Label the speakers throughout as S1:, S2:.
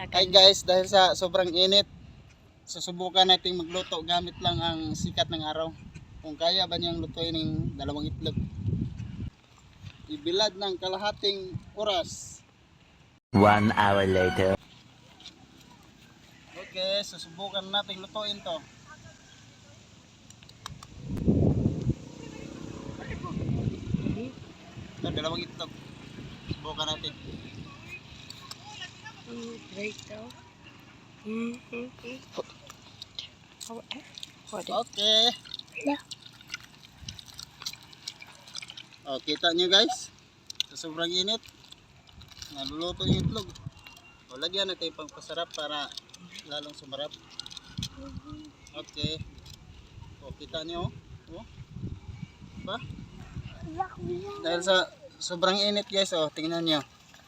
S1: Hi guys, dahil sa sobrang init, susubukan nating magluto gamit lang ang sikat ng araw. Kung kaya ba niyang lutuin ng dalawang itlog. Ibilad ng kalahating oras.
S2: 1 hour later.
S1: Okay, susubukan nating lutuin to. Ito, dalawang itlog. Subukan natin. Okay. Oh, kita nyo guys, sa sobrang init, naluluto yung itlog. O, lagyan natin yung pangpasarap para lalong sumarap. Okay. O, kita nyo. O, diba? Dahil sa sobrang init guys, o, tingnan nyo.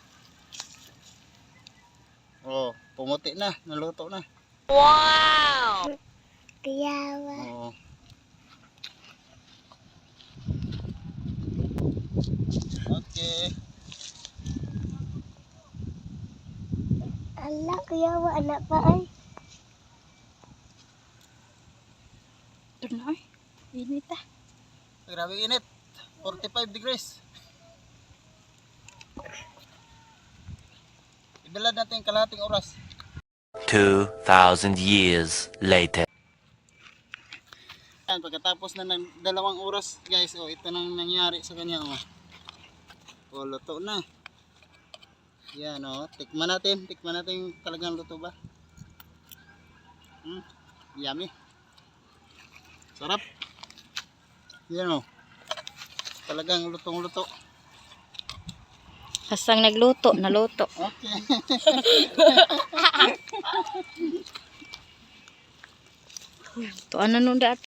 S1: O, pumuti na, naluto na.
S3: Wow!
S1: Oo. Okay.
S3: Ala, kuyawa anak pa ay. Ito na ay. Init ah.
S1: Grabe init. 45 degrees. Ibilad natin yung kalahating oras.
S2: 2,000 years later.
S1: Yan, pagkatapos na ng 2 oras guys, oh, ito nang nangyari sa kanya. Oh. Oh, luto na. Yan, oh, tikman natin yung talagang luto ba. Yummy. Sarap. Yan, oh, talagang lutong-luto.
S3: Hasang nagluto, naluto.
S1: Okay.
S3: To ano nung dati